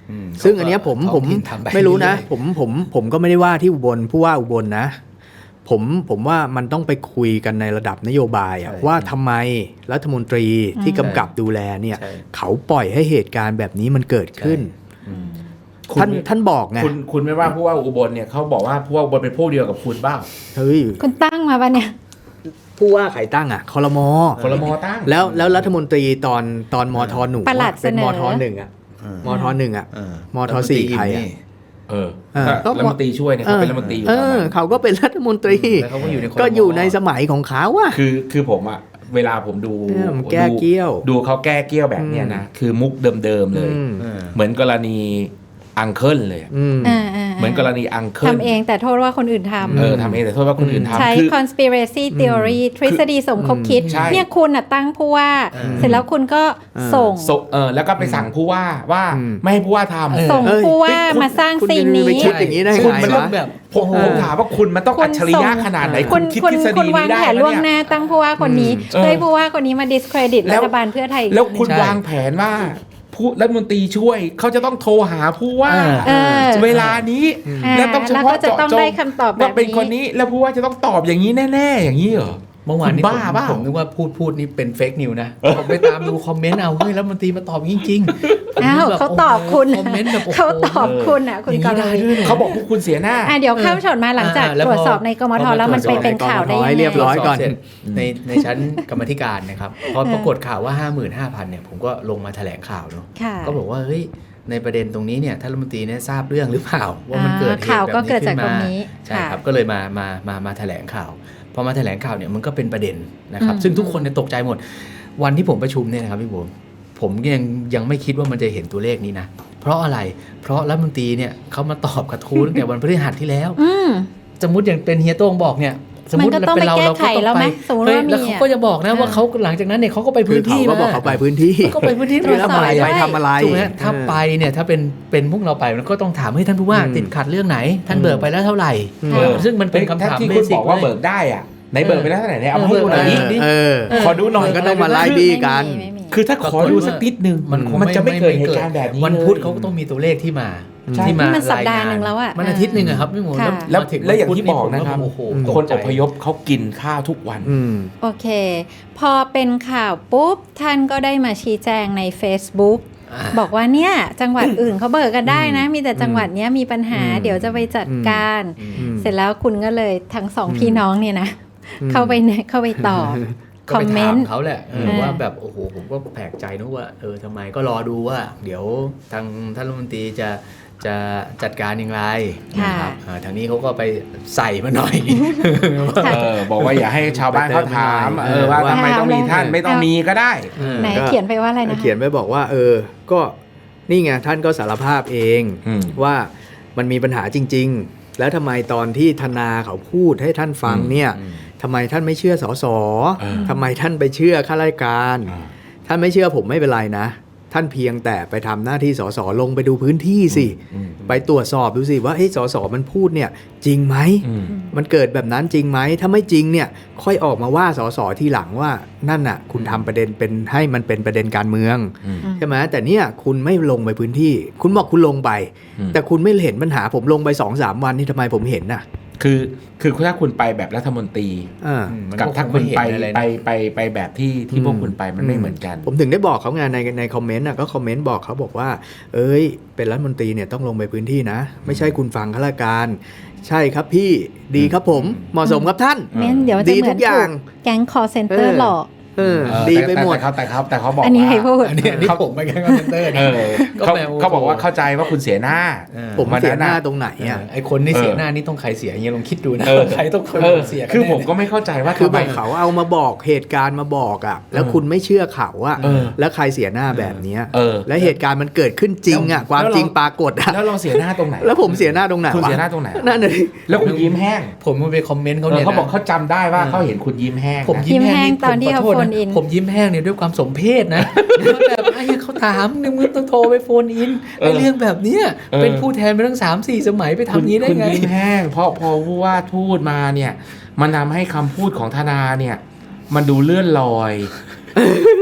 Speaker 4: อืม
Speaker 2: ซึ่งอันเนี้ยผม
Speaker 4: ท้
Speaker 2: ผ
Speaker 4: อง
Speaker 2: ม
Speaker 4: ถิ่นทำป
Speaker 2: ไม่รู้นะ
Speaker 4: เอยๆ
Speaker 2: ผมผมผมก็ไม่ได้ว่าที่อุบลผู้ว่าอุบลนะผมผมว่ามันต้องไปคุยกันในระดับนโยบายอะ
Speaker 4: ใช่
Speaker 2: ว่าทำไมรัฐมนตรีที่กำกับดูแลเนี่ย
Speaker 4: ใช่
Speaker 2: เขาปล่อยให้เหตุการณ์แบบนี้มันเกิดขึ้น
Speaker 4: อืม
Speaker 2: ท่านท่านบอกไง
Speaker 3: คุณคุณไม่ว่าผู้ว่าอุบลเนี่ยเขาบอกว่าผู้ว่าอุบลเป็นพวกเดียวกับคุณบ้าง
Speaker 2: เฮ้ย
Speaker 1: คุณตั้งมาปะเนี่ย
Speaker 2: ผู้ว่าใครตั้งอ่ะคอรมอ
Speaker 3: คลมตั้ง
Speaker 2: แล้วแล้วรัฐมนตรีตอนตอนมทหนู
Speaker 1: ปลัด
Speaker 2: เป็น
Speaker 1: เสน
Speaker 2: ม
Speaker 1: อ
Speaker 2: ทหนึ่งอ่ะ
Speaker 4: เออ
Speaker 2: มทหนึ่งอ่ะ
Speaker 4: เออ
Speaker 2: มทสี่ใครอะ
Speaker 3: เออ
Speaker 2: เออ
Speaker 3: ก็รัฐมนตรีช่วยเนี่ยเขาเป็นรัฐมนตรีอยู่
Speaker 2: เอ
Speaker 3: ตอน
Speaker 2: อ
Speaker 3: นั้น
Speaker 2: เขาก็เป็นรัฐมนตรี
Speaker 4: แล้วเขาก็อยู่ในค
Speaker 2: ก็อยู่ในสมัยของเขาอะ
Speaker 3: คือคือผมอะเวลาผมดู
Speaker 2: เออมันแก้เกี้ยว
Speaker 3: ดูดูเขาแก้เกี้ยวแบบเนี้ยนะคือมุกเดิมๆเลย
Speaker 2: อืม
Speaker 4: เออ
Speaker 3: เหมือนกรณีอังเคิลเลยอะ
Speaker 2: อืม
Speaker 1: อ่าอ่า
Speaker 3: เหมือนกรณีอังเคิล
Speaker 1: ทำเองแต่โทษว่าคนอื่นทำ
Speaker 3: เออทำเองแต่โทษว่าคนอื่น
Speaker 1: ใช้
Speaker 3: ทำคือ
Speaker 1: conspiracy theory ทฤษฎีสมคบคิด
Speaker 3: ใช่
Speaker 1: เนี่ยคุณน่ะตั้งผู้ว่า
Speaker 4: อืม
Speaker 1: เสร็จแล้วคุณก็
Speaker 2: อืม
Speaker 1: ส่ง
Speaker 3: ส่งเออแล้วก็ไปสั่งผู้ว่าว่า
Speaker 2: อืม
Speaker 3: ไม่ให้ผู้ว่าทำ
Speaker 1: ส่ง
Speaker 2: เอ้ย
Speaker 1: ผู้ว่า
Speaker 3: คุณ
Speaker 1: มาสร้าง
Speaker 2: คุณ
Speaker 1: ซีน
Speaker 2: จะ
Speaker 1: นี้
Speaker 2: ไปคิดอย่างนี้ได้
Speaker 3: คุณ
Speaker 2: ไง
Speaker 3: มัน
Speaker 2: วะ
Speaker 4: แบบ
Speaker 3: ผมผมถามว่าคุณมันต้อง
Speaker 1: คุ
Speaker 3: อั
Speaker 1: ณ
Speaker 3: จฉริยะ
Speaker 1: ส่ง
Speaker 3: ขนาดไหน
Speaker 1: คุ
Speaker 3: คุณ ณคิด
Speaker 1: คุณ
Speaker 3: ทฤษ
Speaker 1: คุ
Speaker 3: ฎี
Speaker 1: ณวา
Speaker 3: นี้
Speaker 1: ง
Speaker 3: ได้
Speaker 1: แผนล่วงหน้าตั้งผู้ว่าคนนี้
Speaker 3: เออ
Speaker 1: เพื่อให้ผู้ว่าคนนี้มา discredit
Speaker 3: แล้
Speaker 1: รั
Speaker 3: ว
Speaker 1: ฐบาลเพื่อไทยอีก
Speaker 3: แล้วคุณ
Speaker 4: ใช่
Speaker 3: วางแผนว่าผู้รัฐมนตรีช่วยเขาจะต้องโทรหาผู้ว่า
Speaker 1: เออ
Speaker 3: เวลานี้
Speaker 1: อ่า
Speaker 3: แล้วต้องเฉ
Speaker 1: แล้ว
Speaker 3: พาะ
Speaker 1: ก็จะ
Speaker 3: เจาะ
Speaker 1: ต้อง
Speaker 3: จ
Speaker 1: ได้
Speaker 3: ง
Speaker 1: คำตอบแบบ
Speaker 3: ว่าเป็น
Speaker 1: นี้
Speaker 3: คนนี้แล้วผู้ว่าจะต้องตอบอย่างนี้แน่ๆ อย่างนี้เหรอ
Speaker 4: เมื่อวานนี้
Speaker 3: คุณบ้า
Speaker 4: ผม
Speaker 3: เปล่า
Speaker 4: ผมนึกว่าพูดพูดนี่เป็นเฟกนิวนะผมไปตามดูคอมเมนต์เอาเฮ้ยแล้วมันตรีมาตอบจริงๆ
Speaker 1: อ้าว
Speaker 4: แบบ
Speaker 1: เขาตอบคุณ
Speaker 4: คอมเมนต์แบบโโห
Speaker 1: เขาตอบคุณอ่ะคุณ
Speaker 4: อย่าง
Speaker 1: ก
Speaker 4: นี้
Speaker 1: ร
Speaker 4: ได้
Speaker 1: ณี
Speaker 4: ด้วยหร
Speaker 3: เขาบอกพวกคุณเสียหน้า
Speaker 1: อ่ะเดี๋ยวข้ามช็อตมาหลังจาก
Speaker 4: อ่าแล้ว
Speaker 1: ตรวจสอบ
Speaker 4: พอ
Speaker 1: ในกมท
Speaker 4: พอ
Speaker 1: แล้วมันไป
Speaker 4: ตรวจสอบ
Speaker 1: เป็นข่าวได้
Speaker 2: ในกมทให้
Speaker 1: ยัง
Speaker 2: เรียบร้อย
Speaker 1: ไง
Speaker 2: ก่อน
Speaker 4: เสร็จในในชั้นกรรมาธิการนะครับพอปรากฏข่าวว่า ห้าหมื่นห้าพัน เนี่ยผมก็ลงมาแถลงข่าวเนาะ
Speaker 1: ค่ะ
Speaker 4: ก็บอกว่าเฮ้ยในประเด็นตรงนี้เนี่ยท่านรัฐมนตรีเนี่ยทราบเรื่องหรือเปล่าว่ามันเกิดเหตุ
Speaker 1: ข่าว
Speaker 4: แบบ
Speaker 1: ก็
Speaker 4: นี้
Speaker 1: เกิด
Speaker 4: ขึ้
Speaker 1: จาก
Speaker 4: น
Speaker 1: ตร
Speaker 4: มาง
Speaker 1: นี้
Speaker 4: ใช่
Speaker 1: ค่ะ
Speaker 4: ครับก็เลยมามามามาแถลงข่าวพอมาแถลงข่าวเนี่ยมันก็เป็นประเด็นนะครับ
Speaker 1: อืม
Speaker 4: ซึ่งทุกคนเนี่ยตกใจหมดวันที่ผมประชุมเนี่ยนะครับพี่บุ๋มผมยังยังไม่คิดว่ามันจะเห็นตัวเลขนี้นะเพราะอะไรเพราะรัฐมนตรีเนี่ยเขามาตอบกระทู้ตั้งแต่วันพฤหัสที่แล้ว
Speaker 1: อืม
Speaker 4: สมมติอย่างเป็นเฮียโต้งบอกเนี่ยสมมติ
Speaker 1: มันก็ต้อง
Speaker 4: เป็นเรา
Speaker 1: ไปแก้
Speaker 4: เรา
Speaker 1: ไข
Speaker 4: ก็ต้อง
Speaker 1: แล้วไห
Speaker 4: ไป
Speaker 1: มสมมุติ
Speaker 4: เฮ้ย
Speaker 1: ว่ามี
Speaker 4: แล้วเขาก็จะบอกนะว่าเขาหลังจากนั้นเนี่ยเขาก็ไป
Speaker 2: คื
Speaker 4: พื้
Speaker 2: อน เขา
Speaker 4: ที่
Speaker 2: ก็บอก
Speaker 4: มา
Speaker 2: เขาไปพื้นที่
Speaker 4: ก็ไปพื้นที่
Speaker 1: ตรวจสอบ
Speaker 4: ทำไม
Speaker 2: ไป
Speaker 4: อะ
Speaker 2: ทำอะไร
Speaker 4: ถูกไหมถ้าไปเนี่ยถ้าเป็นเป็นพวกเราไปมันก็ต้องถามให้ท่านผู้ว่า
Speaker 2: อืม
Speaker 4: ติดขัดเรื่องไหน ท่านเบิกไปแล้วเท่าไหร่
Speaker 2: อืม
Speaker 4: เออซึ่งมันเป็นคำถาม
Speaker 3: ที่
Speaker 4: เบ
Speaker 3: คุณ
Speaker 4: สิ
Speaker 3: บ
Speaker 4: ก
Speaker 3: อกว่า
Speaker 4: ลย
Speaker 3: เบิกได้อ่ะไหนเบิกไปแล้วเท่าไหร่ไหนเอามา
Speaker 4: เอ
Speaker 3: ให้
Speaker 4: อ
Speaker 3: ดูหน่อย
Speaker 4: เอ
Speaker 3: ดิ
Speaker 4: อ
Speaker 2: เออ
Speaker 3: ขอดูหน่อย
Speaker 2: ก็ต้องมาไล่บี้กัน
Speaker 1: ไม่มี
Speaker 3: คือถ้าขอดูสักนิดนึง
Speaker 4: มันคง
Speaker 3: มันจะไม่เกิดเหตุการณ์แบบนี้
Speaker 4: วัน
Speaker 3: เลย
Speaker 4: พุธเขาก็ต้องมีตัวเลขที่มา
Speaker 2: ใช่
Speaker 4: ที่มา
Speaker 1: นี่มันสัปดาห์
Speaker 4: รยง
Speaker 1: หนึ่งแล้วอะ
Speaker 4: มันอาทิตย์หนึ่งอะครับพี่หมู
Speaker 1: ค่ะ
Speaker 3: แล้ว
Speaker 4: มถึ
Speaker 3: แล้วอย่างที่บอกนะครับ
Speaker 4: ผมโอ้โห
Speaker 2: อืม
Speaker 4: ตก
Speaker 3: คน
Speaker 4: ใจ
Speaker 3: อพยพเขากินข้าวทุกวัน
Speaker 2: อืม
Speaker 1: โอเค พอเป็นข่าวปุ๊บ ท่านก็ได้มาชี้แจงใน Facebook
Speaker 4: อ่า
Speaker 1: บอกว่าเนี่ย จังหวัดอื่นเขาเบิกกันได้นะ มีแต่จังหวัดเนี้ยมีปัญหา
Speaker 2: อืม
Speaker 1: เดี๋ยวจะไปจัดการ
Speaker 2: อืม
Speaker 1: เสร็จแล้วคุณก็เลยทั้งสอง
Speaker 2: อืม
Speaker 1: พี่น้องเนี่ยนะ
Speaker 2: อืม
Speaker 1: เข้าไปเนี่ยเข้าไปตอบ
Speaker 4: ก็
Speaker 1: คอ
Speaker 4: ไป
Speaker 1: มเม
Speaker 4: ถาน ม
Speaker 1: ต์
Speaker 4: เขาแหละเออ
Speaker 1: เออ
Speaker 4: ว่าแบบโอ้โหผมก็แปลกใจนะว่าเออทำไมก็รอดูว่า เดี๋ยวทางท่านรัฐมนตรีจะจะจัดการอย่างไรนะครับอ่าทางนี้เขาก็ไปใส่มาหน่อย
Speaker 3: เออบอกว่าอย่าให้ชาวบ้านเขาถาม
Speaker 2: ไปเติม
Speaker 3: เออว่า
Speaker 2: ว่า
Speaker 3: ทำไมต้องมีท่านไม่ต้องมีก็ได้
Speaker 1: ไหน
Speaker 2: ก็
Speaker 1: เขียนไปว่าอะไรนะ
Speaker 2: เขียนไว้บอกว่า เออ ก็นี่ไงท่านก็สารภาพเอง
Speaker 3: อืม
Speaker 2: ว่ามันมีปัญหาจริง ๆ แล้วทำไมตอนที่ธนาเขาพูดให้ท่านฟังเนี่ย
Speaker 4: อืม
Speaker 2: ทำไมท่านไม่เชื่อสส
Speaker 3: เออ
Speaker 2: ทำไมท่านไปเชื่อข้าราชการ
Speaker 3: อ่า
Speaker 2: ท่านไม่เชื่อผมไม่เป็นไรนะ ท่านเพียงแต่ไปทำหน้าที่สสลงไปดูพื้นที่สิ
Speaker 3: อืม
Speaker 2: ไปตรวจสอบดูสิว่าเฮ้ยสสมันพูดเนี่ยจริงไหม
Speaker 3: อืม
Speaker 2: มันเกิดแบบนั้นจริงไหม ถ้าไม่จริงเนี่ยค่อยออกมาว่าสสทีหลังว่านั่นน่ะ คุณทำประเด็นเป็นให้มันเป็นประเด็นการเมือง
Speaker 3: อืม
Speaker 2: ใช่ไหมแต่เนี่ยคุณไม่ลงไปพื้นที่ คุณบอกคุณลงไป
Speaker 3: อืม
Speaker 2: แต่คุณไม่เห็นปัญหาผมลงไปสองสามวันนี่ทำไมผมเห็นน่ะ
Speaker 3: คือคือถ้าคุณไปแบบรัฐมนตรี
Speaker 2: อ่า
Speaker 4: อืมมัน
Speaker 3: กับ
Speaker 4: ก็
Speaker 3: ถ้า
Speaker 4: คง
Speaker 3: คุณ
Speaker 4: ไม่เห็น
Speaker 3: ไป
Speaker 4: อะไรนะ
Speaker 3: ไปไปไปแบบที่ที่พวกคุณไปมันไม่เหมือนกัน
Speaker 2: ผมถึงได้บอกเขาไงในในคอมเมนต์น่ะก็คอมเมนต์บอกเขาบอกว่า เอ้ย เป็นรัฐมนตรีเนี่ยต้องลงไปพื้นที่นะ ไม่ใช่คุณฟังข้าราชการ ใช่ครับพี่ดีครับผมเหมาะสมครับท่าน
Speaker 1: เม้นเดี๋ยวจะ
Speaker 2: ดี
Speaker 1: เหมื
Speaker 2: ทุ
Speaker 1: อน
Speaker 2: กอย่า
Speaker 1: ถู
Speaker 2: ง
Speaker 1: กแก๊งคอเซ็นเตอ
Speaker 2: เอ
Speaker 1: ร์
Speaker 2: อ
Speaker 1: หลอก
Speaker 2: เออ
Speaker 3: เออ
Speaker 2: ดี
Speaker 3: แต่
Speaker 2: ไปหมด
Speaker 3: แต่เขาแต่เขาแต่เขาบอก
Speaker 1: อันนี้ใคร
Speaker 3: ว่า
Speaker 1: พูด
Speaker 4: อันนี้อันนี้ผมไปแค่คอนเทนเตอร์
Speaker 3: เอ
Speaker 4: นะ
Speaker 3: อ
Speaker 4: ก็
Speaker 3: เขา
Speaker 4: แปลว่า
Speaker 3: เขาบอกว่าเข้าใจว่าคุณเสียหน้า
Speaker 4: เออ
Speaker 2: ผมเสียหน้าตรงไหน
Speaker 4: เอ
Speaker 2: อ่ะ
Speaker 4: อไอคนที่เสีย
Speaker 3: เออ
Speaker 4: หน้านี่ต้องใครเสียเงี้ยลองคิดดูนะ
Speaker 3: เออ
Speaker 4: ใครต้องคน
Speaker 3: เออ
Speaker 4: เสียกัน
Speaker 3: คือ
Speaker 4: แน่
Speaker 3: ผมก็ไม่เข้าใจว่า
Speaker 2: คือ
Speaker 3: ทำ
Speaker 2: แบ
Speaker 3: ไม
Speaker 2: บเขาเอามาบอกเหตุการณ์มาบอกอ่ะ แล้วคุณไม่เชื่อเขาอ่ะ
Speaker 3: เออ
Speaker 2: แล้วใครเสียหน้าแบบเนี้ย
Speaker 3: เออ
Speaker 2: แล้วเหตุการณ์มันเกิดขึ้นจริงอ่ะ ความจริงปรากฏอ่ะ
Speaker 3: แล้วเราเสียหน้าตรงไหน
Speaker 2: แล้วผมเสียหน้าตรงไหน
Speaker 3: คุณ
Speaker 2: วะ
Speaker 3: เสียหน้าตรงไหน
Speaker 2: นั่นเลย
Speaker 3: แล้วคุณยิ้มแห้ง
Speaker 4: ผมมาไปคอมเมนต์
Speaker 3: เอ
Speaker 4: เขา
Speaker 3: อ
Speaker 4: เนี่ย
Speaker 3: เขาบอก
Speaker 4: นะ
Speaker 3: เขาจำได้ว่า
Speaker 4: เออ
Speaker 3: เขาเห็นคุณยิ้มแห้ง
Speaker 4: ผม
Speaker 3: นะ
Speaker 4: ยิ้มแห้ง
Speaker 1: ยิ้มแห้งตอนที่
Speaker 4: ผมขโทษ
Speaker 1: เขาโฟ
Speaker 4: นะ
Speaker 1: นอิน
Speaker 4: ผมยิ้มแห้งเนี่ยด้วยความสมเพศนะแบบไอ้เหี้ยเขาถามนึงมึงต้องโทรไปโฟนอินไอ้เรื่องแบบเนี้ยเป็นผู้แทนมาตั้งสามสี่สมัยไปทำ
Speaker 3: คุณ
Speaker 4: นี้ได้
Speaker 3: คุณ
Speaker 4: ไง
Speaker 3: ยิ้มแห้ง เพราะพอผู้ว่าพูดมาเนี่ย มันทำให้คำพูดของธนาเนี่ย มันดูเลื่อนลอย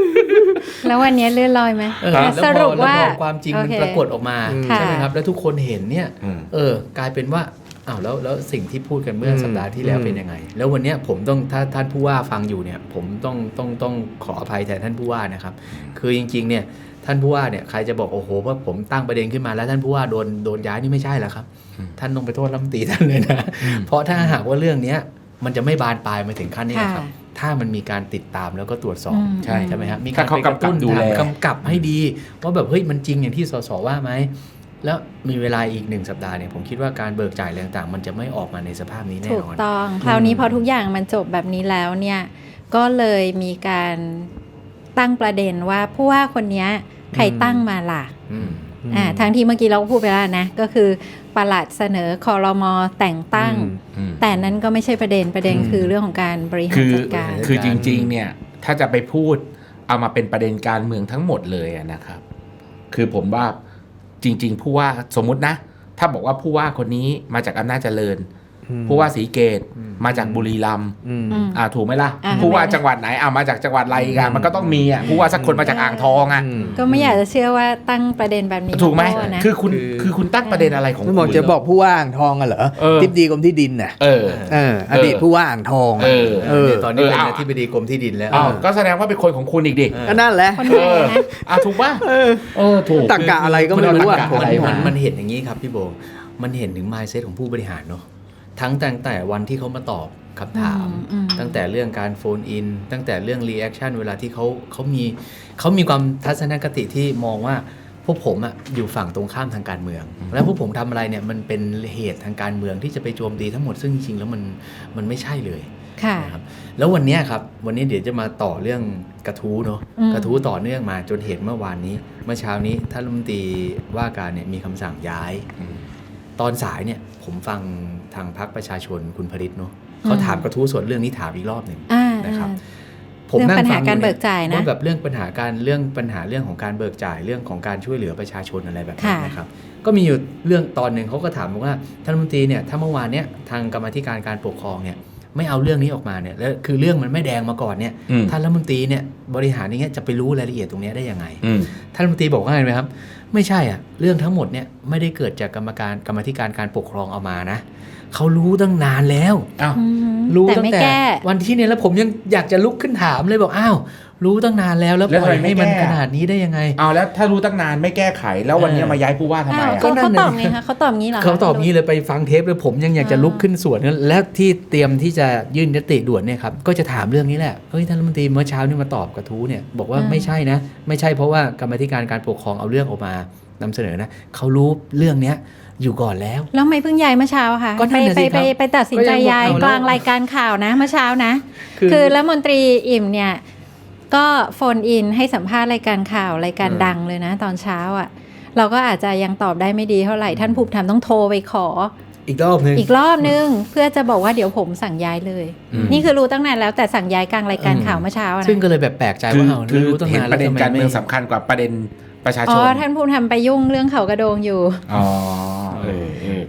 Speaker 1: แล้ววันนี้เลื่อนลอยไหม
Speaker 4: เออ
Speaker 1: แต่
Speaker 4: แล้ว
Speaker 1: ส
Speaker 4: พ
Speaker 1: รุ
Speaker 4: อ
Speaker 1: ป
Speaker 4: แล้ว
Speaker 1: ว่า
Speaker 4: พอความจริงมัน
Speaker 1: โอเค
Speaker 4: ปรากฏออกมา
Speaker 1: ค่ะ
Speaker 4: ใช่ไหมครับแล้วทุกคนเห็นเนี่ย
Speaker 3: อืม
Speaker 4: เออกลายเป็นว่าอ้าวแล้วแล้วสิ่งที่พูดกันเมื่ออ
Speaker 2: ม
Speaker 4: สัปดาห์ที่แล้ว
Speaker 2: อืม
Speaker 4: เป็นยังไง แล้ววันเนี้ยผมต้องถ้าท่านผู้ว่าฟังอยู่เนี่ยผมต้องต้องต้องขออภัยแทนท่านผู้ว่านะครับคือจริงๆเนี่ยท่านผู้ว่าเนี่ยใครจะบอกโอ้โหว่าผมตั้งประเด็นขึ้นมาแล้วท่านผู้ว่าโดนโดนย้ายนี่ไม่ใช่แล้วครับ
Speaker 3: อืม
Speaker 4: ท่านต้องไปโทษรัฐมนตรีท่านเลยนะเพราะถ้าหากว่าเรื่องเนี้ยมันจะไม่บานปลายมาถึงขั้นนี้นะครับ
Speaker 1: ค่ะ
Speaker 4: ถ้ามันมีการติดตามแล้วก็ตรวจสอบ
Speaker 1: อืม
Speaker 3: ใช่
Speaker 4: ใช่ไหมครับมีกา
Speaker 3: ถ้าร เขา
Speaker 4: ไปกระตุ้น
Speaker 3: กำกับดูแล
Speaker 4: กำกับให้ดีว่าแบบเฮ้ยมันจริงอย่างที่สสว่าไหมแล้วมีเวลาอีกหนึ่งสัปดาห์เนี่ยผมคิดว่าการเบิกจ่ายอะไรต่างๆ มันจะไม่ออกมาในสภาพนี้แน่
Speaker 1: ถูก
Speaker 4: นอน
Speaker 1: ต้อง คราวนี้พอทุกอย่างมันจบแบบนี้แล้วเนี่ยก็เลยมีการตั้งประเด็นว่าผู้ว่าคนเนี้ยใครตั้งมาล่ะ
Speaker 4: อืม
Speaker 1: อ่าทั้งที่เมื่อกี้เราก็พูดไปแล้วนะก็คือปลัดเสนอคอรมอแต่งตั้ง
Speaker 3: อืม
Speaker 1: แต่นั้นก็ไม่ใช่ประเด็นประเด็นคือเรื่องของการบริหาร
Speaker 3: คือ
Speaker 1: จัดการ
Speaker 3: คือจริงๆเนี่ยถ้าจะไปพูดเอามาเป็นประเด็นการเมืองทั้งหมดเลยอะนะครับ คือผมว่าจริงๆผู้ว่าสมมุตินะ ถ้าบอกว่าผู้ว่าคนนี้มาจากอำนาจเจริญ ผู้ว่าศรีเกตมาจากบุรีรัมย์
Speaker 2: อืม
Speaker 1: อืม
Speaker 3: อ่าถูกไหมล่ะ
Speaker 1: อ่า
Speaker 3: ผู้ว่า
Speaker 1: ทำไม
Speaker 3: จังหวัดไหนอ่ามาจากจังหวัดอะไรกันมันก็ต้องมีอ่ะผู้ว่าสักคนมาจากอ่างทองอ่ะ
Speaker 1: ก็ไม่อยากจะเชื่อว่าตั้งประเด็นแบบนี้
Speaker 3: ถูกไหม
Speaker 1: าโต้นะ
Speaker 3: คือคุณ
Speaker 4: คือ
Speaker 3: คือคุณตั้งประเด็นอะไรของ
Speaker 2: ไม่
Speaker 3: คุณ
Speaker 2: บอกจะบอกผู้ว่าอ่างทองอะเหรอ
Speaker 3: เออ
Speaker 2: ทิบดีกรมที่ดินน่ะ
Speaker 3: เออ
Speaker 2: เอออดีตผู้ว่าอ่างทองอะ
Speaker 3: เออ
Speaker 2: เออ
Speaker 4: เนี่ยตอนนี้เป็น
Speaker 3: เออ
Speaker 4: อธิบดีกรมที่ดินแล้ว
Speaker 3: อ้าวก็แสดงว่าเป็นคนของคุณอีกดิ
Speaker 4: เออ
Speaker 2: ก็นั่นแหละ
Speaker 1: คนไหนนะ
Speaker 3: อ่ะถูกป่ะ
Speaker 2: เออ
Speaker 3: เออถูก
Speaker 2: ตักกะอะไรก็ไม่รู้อะ
Speaker 3: ตักกะ
Speaker 2: ผม
Speaker 3: อะไร
Speaker 4: มัน
Speaker 3: มา
Speaker 4: มันเห็นอย่างนี้ครับพี่โบ มันเห็นถึง mindset ของผู้บริหารเนาะทั้งตั้งแต่วันที่เขามาตอบคำถาม
Speaker 1: อืมอืม
Speaker 4: ตั้งแต่เรื่องการโฟนอินตั้งแต่เรื่องรีแอคชั่นเวลาที่เขาเขามีเขามีความทัศนคติที่มองว่าพวกผมอะอยู่ฝั่งตรงข้ามทางการเมือง แล้วพวกผมทำอะไรเนี่ยมันเป็นเหตุทางการเมืองที่จะไปโจมตีทั้งหมดซึ่งจริงๆแล้วมันมันไม่ใช่เลย
Speaker 1: ค่ะ
Speaker 4: นะครับแล้ววันเนี้ยครับวันนี้เดี๋ยวจะมาต่อเรื่องกระทู้เนาะ
Speaker 1: อืม
Speaker 4: กระทู้ต่อเนื่องมาจนเห็นเมื่อวานนี้ เมื่อเช้านี้ท่านรัฐมนตรีว่าการเนี่ยมีคำสั่งย้าย ตอนสายเนี่ยผมฟังทางพรรคประชาชนคุณผลิตเนาะเขาถามกระทู้ส่วนเรื่องนี้ถามอีกรอบหนึ่ง
Speaker 1: อ่า
Speaker 4: นะครับ
Speaker 1: เรื่องปัญหาการเบิกจ่ายนะ
Speaker 4: ว่าแบบเรื่องปัญหาการเรื่องปัญหาเรื่องของการเบิกจ่ายเรื่องของการช่วยเหลือประชาชนอะไรแบบนี้
Speaker 1: ค่ะ
Speaker 4: นะครับก็มีอยู่เรื่องตอนหนึ่งเขาก็ถามบอกว่าท่านรัฐมนตรีเนี่ยถ้าเมื่อวานเนี่ยทางกรรมาธิการการปกครองเนี่ยไม่เอาเรื่องนี้ออกมาเนี่ยแล้วคือเรื่องมันไม่แดงมาก่อนเนี่ย
Speaker 3: อืม
Speaker 4: ท่านรัฐมนตรีเนี่ยบริหารอย่างเงี้ยจะไปรู้รายละเอียดตรงเนี้ยได้ยังไง
Speaker 3: อืม
Speaker 4: ท่านรัฐมนตรีบอกว่าไงไหมครับไม่ใช่อ่ะเรื่องทั้งหมดเนี่ยไม่ได้เกิดจากกรรมการกรรมาธิการการปกครองเอามานะเขารู้ตั้งนานแล้ว
Speaker 3: อ้าว
Speaker 1: อืม
Speaker 4: รู้
Speaker 1: แต่
Speaker 4: ตั้
Speaker 1: ไม่
Speaker 4: งแต่
Speaker 1: แก้
Speaker 4: วันที่เนี่ยแล้วผมยังอยากจะลุกขึ้นถามเลยบอกอ้าวรู้ตั้งนานแล้วแล้ว
Speaker 3: แล้ว
Speaker 4: ปล่อย
Speaker 3: ทำไมไม่
Speaker 4: ให้มัน
Speaker 3: แก้
Speaker 4: ขนาดนี้ได้ยังไง
Speaker 3: เอาแล้วถ้ารู้ตั้งนานไม่แก้ไขแล้ววันนี้
Speaker 4: เออ
Speaker 3: มาย้ายผู้ว่าทำไม
Speaker 1: อ้าว
Speaker 3: อ่ะ
Speaker 1: ก็
Speaker 4: ก็นั่
Speaker 1: เขา
Speaker 4: นน่ะ
Speaker 1: ตอบไงคะเขาตอบงี้เหรอคะ
Speaker 4: เขาตอบงี้เลยไปฟังเทปเลยผมยังอยากจะลุกขึ้นสวนและที่เตรียมที่จะยื่นยติด่วนเนี่ยครับก็จะถามเรื่องนี้แหละเฮ้ยท่านรัฐมนตรีเมื่อเช้านี่มาตอบกระทู้เนี่ยบอกว่าไม่ใช่นะ ไม่ใช่เพราะว่ากรรมาธิการการปกครองเอาเรื่องออกมานำเสนอนะเขารู้เรื่องเนี้ยอยู่ก่อนแล้ว
Speaker 1: แล้วทำไม่เพิ่งย้ายเมื่อเช้าค่ะ
Speaker 4: ก็นั่
Speaker 1: ไป
Speaker 4: นน่ะ
Speaker 1: ไป
Speaker 4: สิค
Speaker 1: ไป
Speaker 4: รับ
Speaker 1: ไปตัดสินใจ
Speaker 4: ก็ยังบอก
Speaker 1: ย้าย
Speaker 4: เอาแล้ว
Speaker 1: กลางรายการข่าวนะเมื่อเช้านะ
Speaker 4: คือ
Speaker 1: คือรัฐมนตรีอิ่มเนี่ยก็โฟนอินให้สัมภาษณ์รายการข่าวรายการดังเลยนะ ตอนเช้าอ่ะ เราก็อาจจะยังตอบได้ไม่ดีเท่าไหร่ท่านภูมิธรรมต้องโทรไปขอ
Speaker 4: อีกรอบหนึง
Speaker 1: อีกรอบนึง เพื่อจะบอกว่าเดี๋ยวผมสั่งย้ายเลย
Speaker 3: อืม
Speaker 1: นี่คือรู้ตั้งนานแล้วแต่สั่งย้ายกลางรายการข่าวเมื่อเช้านะ
Speaker 4: ซึ่งก็เลยแบบแปลกใจ
Speaker 3: คือ
Speaker 4: ว่าเอา
Speaker 3: คือ
Speaker 4: รู้ตั้ง
Speaker 3: เห็น
Speaker 4: นาน
Speaker 3: ประเด็น
Speaker 4: แล้วทำไม
Speaker 3: การเมือง
Speaker 4: ไม่
Speaker 3: สำคัญกว่าประเด็นประชาช
Speaker 1: อ๋
Speaker 3: น
Speaker 1: อท่านภูมิธรรมไปยุ่งเรื่องเขากระโดงอยู่
Speaker 3: อ๋อเออเออ